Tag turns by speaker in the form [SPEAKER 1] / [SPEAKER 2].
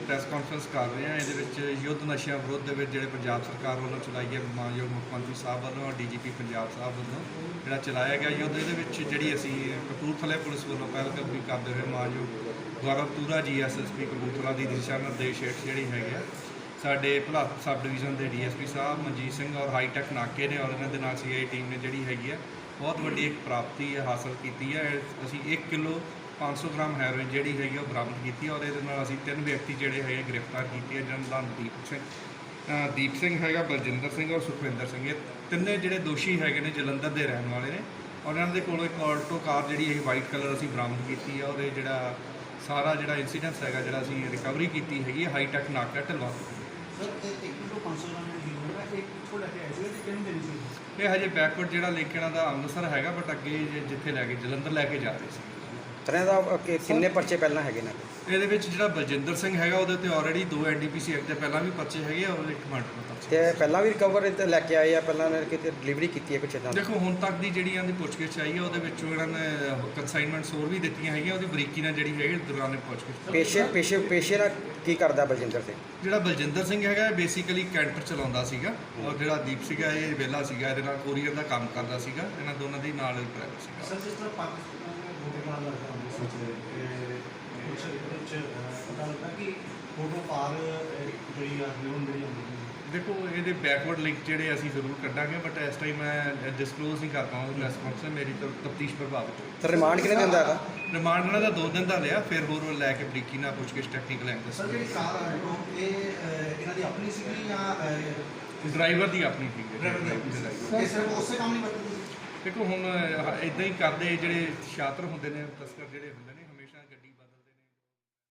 [SPEAKER 1] Press conference ਕਰ ਰਹੇ ਹਾਂ। ਇਹਦੇ ਵਿੱਚ ਯੁੱਧ ਨਸ਼ਿਆਂ ਵਿਰੁੱਧ ਦੇ ਵਿੱਚ ਜਿਹੜੇ ਪੰਜਾਬ ਸਰਕਾਰ ਵੱਲੋਂ ਚਲਾਈ ਹੈ, ਮਾਨਯੋਗ ਮੁੱਖ ਮੰਤਰੀ ਸਾਹਿਬ ਵੱਲੋਂ ਡੀਜੀਪੀ ਪੰਜਾਬ ਸਾਹਿਬ ਵੱਲੋਂ ਜਿਹੜਾ ਚਲਾਇਆ ਗਿਆ ਯੁੱਧ, ਇਹਦੇ ਵਿੱਚ ਜਿਹੜੀ ਅਸੀਂ ਕਪੂਰਥਲੇ ਪੁਲਿਸ ਵੱਲੋਂ ਪਹਿਲਕਦਮੀ ਕਰਦੇ ਹੋਏ ਮਾਨਯੋਗ ਗੌਰਵ ਤੂਰਾ ਜੀ ਐਸਐਸਪੀ ਕਪੂਰਥਲਾ ਦੀ ਦਿਸ਼ਾ ਨਿਰਦੇਸ਼ ਹੇਠ ਜਿਹੜੀ ਹੈਗੇ ਆ ਸਾਡੇ ਭਲਾ ਸਬ ਡਿਵੀਜ਼ਨ ਦੇ ਡੀਐਸਪੀ ਸਾਹਿਬ ਮਨਜੀਤ ਸਿੰਘ ਔਰ ਹਾਈਟੈਕ ਨਾਕੇ ਨੇ ਔਰ ਇਹਨਾਂ ਦੇ ਨਾਲ ਸੀਆਈ ਟੀਮ ਨੇ ਜਿਹੜੀ ਹੈਗੀ ਆ ਬਹੁਤ ਵੱਡੀ ਇੱਕ ਪ੍ਰਾਪਤੀ ਹਾਸਲ ਕੀਤੀ ਹੈ। ਅਸੀਂ 1 ਕਿਲੋ 500 ਗ੍ਰਾਮ ਹੈਰੋਇਨ ਜਿਹੜੀ ਹੈਗੀ ਉਹ ਬਰਾਮਦ ਕੀਤੀ ਔਰ ਇਹਦੇ ਨਾਲ ਅਸੀਂ 3 ਵਿਅਕਤੀ ਜਿਹੜੇ ਹੈਗੇ ਗ੍ਰਿਫਤਾਰ ਕੀਤੇ ਹੈ, ਜਿਹਨਾਂ ਦਾ ਦੀਪ ਸਿੰਘ ਹੈਗਾ, ਬਲਜਿੰਦਰ ਸਿੰਘ ਔਰ ਸੁਖਵਿੰਦਰ ਸਿੰਘ। ਇਹ ਤਿੰਨੇ ਜਿਹੜੇ ਦੋਸ਼ੀ ਹੈਗੇ ਨੇ ਜਲੰਧਰ ਦੇ ਰਹਿਣ ਵਾਲੇ ਨੇ ਔਰ ਇਹਨਾਂ ਦੇ ਕੋਲੋਂ ਇੱਕ ਆਲਟੋ ਕਾਰ ਜਿਹੜੀ ਹੈ ਵਾਈਟ ਕਲਰ ਅਸੀਂ ਬਰਾਮਦ ਕੀਤੀ ਹੈ ਔਰ ਇਹ ਜਿਹੜਾ ਸਾਰਾ ਜਿਹੜਾ ਇੰਸੀਡੈਂਸ ਹੈਗਾ ਜਿਹੜਾ ਅਸੀਂ ਰਿਕਵਰੀ ਕੀਤੀ ਹੈਗੀ ਹਾਈਟੈਕ ਨਾਕਾ ਢਲਵਾ। ਇਹ ਹਜੇ ਬੈਕਵਰਡ ਜਿਹੜਾ ਲਿੰਕ ਇਹਨਾਂ ਦਾ ਅੰਮ੍ਰਿਤਸਰ ਹੈਗਾ, ਬਟ ਅੱਗੇ ਜਿੱਥੇ ਲੈ ਕੇ ਜਲੰਧਰ ਲੈ ਕੇ ਜਾ ਰਹੇ ਸੀ।
[SPEAKER 2] ਤਰ੍ਹਾਂ ਦਾ ਕਿੰਨੇ ਪਰਚੇ ਪਹਿਲਾਂ ਹੈਗੇ ਨੇ?
[SPEAKER 1] ਇਹਦੇ ਵਿੱਚ ਜਿਹੜਾ ਬਲਜਿੰਦਰ ਸਿੰਘ ਹੈਗਾ ਉਹਦੇ ਤੇ ਆਲਰੇਡੀ 2 ਐਨਡੀਪੀਸੀ ਐਕਟ ਦੇ ਪਹਿਲਾਂ ਵੀ ਪਰਚੇ ਹੈਗੇ ਔਰ ਇੱਕ ਮਰਡਰ ਦਾ ਪਰਚਾ।
[SPEAKER 2] ਤੇ ਪਹਿਲਾਂ ਵੀ ਰਿਕਵਰ ਲੈ ਕੇ ਆਏ ਆ, ਪਹਿਲਾਂ ਨੇ ਕਿਤੇ ਡਿਲੀਵਰੀ ਕੀਤੀ ਹੈ ਕੁਛ ਇੱਦਾਂ?
[SPEAKER 1] ਦੇਖੋ ਹੁਣ ਤੱਕ ਦੀ ਜਿਹੜੀ ਇਹਨਾਂ ਦੀ ਪੁੱਛਗਿੱਛ ਆਈ ਹੈ ਉਹਦੇ ਵਿੱਚ ਇਹਨਾਂ ਨੇ ਕੰਸਾਈਨਮੈਂਟਸ ਹੋਰ ਵੀ ਦਿੱਤੀਆਂ ਹੈਗੀਆਂ, ਉਹਦੀ ਬਰੀਕੀ ਨਾਲ ਜਿਹੜੀ ਹੈਗੀ ਦੌਰਾਨ ਪੁੱਛਗਿੱਛ।
[SPEAKER 2] ਪੇਸ਼ੇ ਨਾਲ ਕੀ ਕਰਦਾ ਬਲਜਿੰਦਰ ਸਿੰਘ?
[SPEAKER 1] ਜਿਹੜਾ ਬਲਜਿੰਦਰ ਸਿੰਘ ਹੈਗਾ ਬੇਸਿਕਲੀ ਕੈਂਟਰ ਚਲਾਉਂਦਾ ਸੀਗਾ ਔਰ ਜਿਹੜਾ ਦੀਪ ਸੀਗਾ ਇਹ ਵਿਹਲਾ ਸੀਗਾ, ਇਹਦੇ ਨਾਲ ਕੋਰੀਅਰ ਦਾ ਕੰਮ ਕਰਦਾ ਸੀਗਾ। ਇਹਨਾਂ ਦੋਨਾਂ ਦੀ ਨਾਲ ਹੀ ਪ੍ਰਾਈਵੇਟ ਸੀਗਾ।
[SPEAKER 3] ਸਰ ਜਿਸ ਤਰ੍ਹਾਂ ਪਾਕਿਸਤਾਨ ਦੇ ਨਾਲ ਲੱਗਦਾ ਪਤਾ ਲੱਗਾ ਕਿ ਫੋਟੋ ਪਾਰ ਜਿਹੜੀ ਆ ਹਿਊਮਨ ਜਿਹੜੀ ਹੁੰਦੀ
[SPEAKER 1] ਦੇਖੋ ਇਹਦੇ ਬੈਕਵਰਡ ਲਿੰਕ ਜਿਹੜੇ ਅਸੀਂ ਜ਼ਰੂਰ ਕੱਢਾਂਗੇ, ਬਟ ਇਸ ਟਾਈਮ ਮੈਂ ਡਿਸਕਲੋਜ਼ ਨਹੀਂ ਕਰ ਪਾਉਂਗਾ ਪ੍ਰੈਸ ਕਾਨਫਰੰਸ ਮੇਰੀ ਤਫਤੀਸ਼ ਪ੍ਰਭਾਵਿਤ ਹੋਈ।
[SPEAKER 2] ਸਰ ਰਿਮਾਂਡ ਕਿੰਨੇ ਦਿਨ ਦਾ ਹੈਗਾ?
[SPEAKER 1] ਰਿਮਾਂਡ ਇਹਨਾਂ ਦਾ 2 ਦਿਨ ਦਾ ਲਿਆ, ਫਿਰ ਹੋਰ ਲੈ ਕੇ ਬਰੀਕੀ ਨਾਲ ਪੁੱਛਗਿੱਛ ਟੈਕਨੀਕਲ ਐਂਗਲ।
[SPEAKER 3] ਸਰ ਜਿਹੜੀ ਕਾਰ ਇਹ ਇਹਨਾਂ ਦੀ ਆਪਣੀ ਸੀਗੀ ਜਾਂ
[SPEAKER 1] ਡਰਾਈਵਰ ਦੀ ਆਪਣੀ ਸੀਗੀ।
[SPEAKER 3] ਇਹ ਸਿਰਫ ਉਸੇ ਕੰਮ ਨਹੀਂ ਵਰਤਦੀ?
[SPEAKER 1] ਦੇਖੋ ਹੁਣ ਇਦਾਂ ਹੀ ਕਰਦੇ ਜਿਹੜੇ ਸ਼ਾਤਰ ਹੁੰਦੇ ਨੇ ਤਸਕਰ ਜਿਹੜੇ ਹੁੰਦੇ ਨੇ